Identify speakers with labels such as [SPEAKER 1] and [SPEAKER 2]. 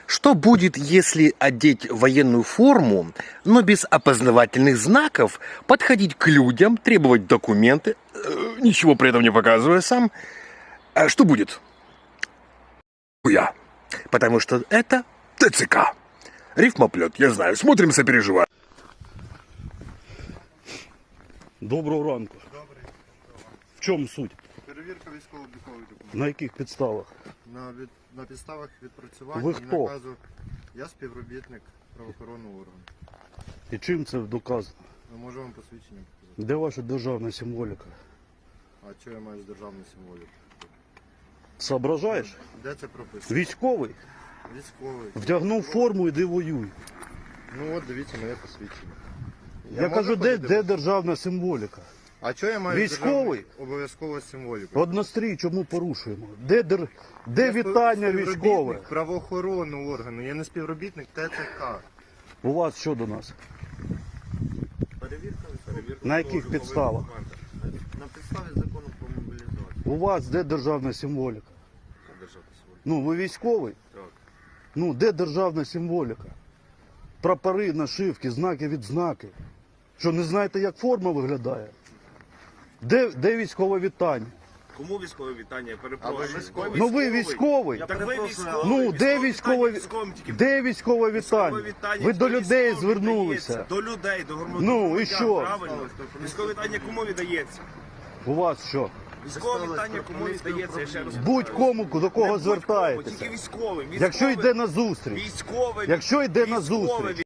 [SPEAKER 1] Что будет, если одеть военную форму, но без опознавательных знаков, подходить к людям, требовать документы, ничего при этом не показывая сам? Что будет? Я. Потому что это ТЦК. Рифмоплет, я знаю. Смотрим, сопереживаем.
[SPEAKER 2] Доброго ранку.
[SPEAKER 3] Добрий.
[SPEAKER 2] В чому суть?
[SPEAKER 3] Перевірка військово-облікових документів.
[SPEAKER 2] На яких підставах?
[SPEAKER 3] На підставах відпрацювання
[SPEAKER 2] Ви
[SPEAKER 3] і
[SPEAKER 2] хто?
[SPEAKER 3] наказу. Я співробітник правоохоронного органу.
[SPEAKER 2] І чим це доказано?
[SPEAKER 3] Ми можемо вам посвідчення показати.
[SPEAKER 2] Де ваша державна символіка?
[SPEAKER 3] А що я маю з державною символікою?
[SPEAKER 2] Соображаєш?
[SPEAKER 3] Де це прописано?
[SPEAKER 2] Військовий?
[SPEAKER 3] Військовий.
[SPEAKER 2] Вдягнув форму, іди воюй.
[SPEAKER 3] Ну от дивіться моє посвідчення.
[SPEAKER 2] Я
[SPEAKER 3] можу
[SPEAKER 2] кажу, де
[SPEAKER 3] ходити?
[SPEAKER 2] державна символіка?
[SPEAKER 3] А що я маю з
[SPEAKER 2] Військовий?
[SPEAKER 3] державною обов'язково символікою?
[SPEAKER 2] Однострій, чому порушуємо? Де
[SPEAKER 3] Я
[SPEAKER 2] вітання
[SPEAKER 3] співробітник
[SPEAKER 2] військове?
[SPEAKER 3] правоохоронного органу, я не співробітник ТЦК.
[SPEAKER 2] У вас що до нас?
[SPEAKER 3] Перевірка
[SPEAKER 2] На яких підставах?
[SPEAKER 3] На підставі закону про мобілізацію.
[SPEAKER 2] У вас де державна символіка?
[SPEAKER 3] Державна символіка.
[SPEAKER 2] Ну, ви військовий?
[SPEAKER 3] Так.
[SPEAKER 2] Ну, де державна символіка? Прапори, нашивки, знаки, відзнаки. Що, не знаєте, як форма виглядає? Де військове вітання?
[SPEAKER 4] Кому військове вітання? Я
[SPEAKER 3] А ви
[SPEAKER 4] перепрошую.
[SPEAKER 3] військовий?
[SPEAKER 2] Ну ви військовий.
[SPEAKER 4] Так ви військовий.
[SPEAKER 2] Ну, де
[SPEAKER 4] військове
[SPEAKER 2] військове
[SPEAKER 4] вітання? Тільки
[SPEAKER 2] де військове
[SPEAKER 4] військове
[SPEAKER 2] вітання?
[SPEAKER 4] вітання
[SPEAKER 2] Ви до
[SPEAKER 4] тільки
[SPEAKER 2] людей
[SPEAKER 4] військовим
[SPEAKER 2] звернулися.
[SPEAKER 4] віддається. До людей, до громадян.
[SPEAKER 2] Ну, і що?
[SPEAKER 4] Правильно. Військове вітання кому віддається?
[SPEAKER 2] У вас що?
[SPEAKER 4] Військове вітання кому віддається, я ще раз
[SPEAKER 2] Будь-кому, до
[SPEAKER 4] Не
[SPEAKER 2] кого
[SPEAKER 4] будь-кому,
[SPEAKER 2] звертаєтеся.
[SPEAKER 4] Тільки військовим.
[SPEAKER 2] Якщо йде на зустріч.
[SPEAKER 4] Військове.
[SPEAKER 2] Якщо йде на
[SPEAKER 4] військове
[SPEAKER 2] зустріч.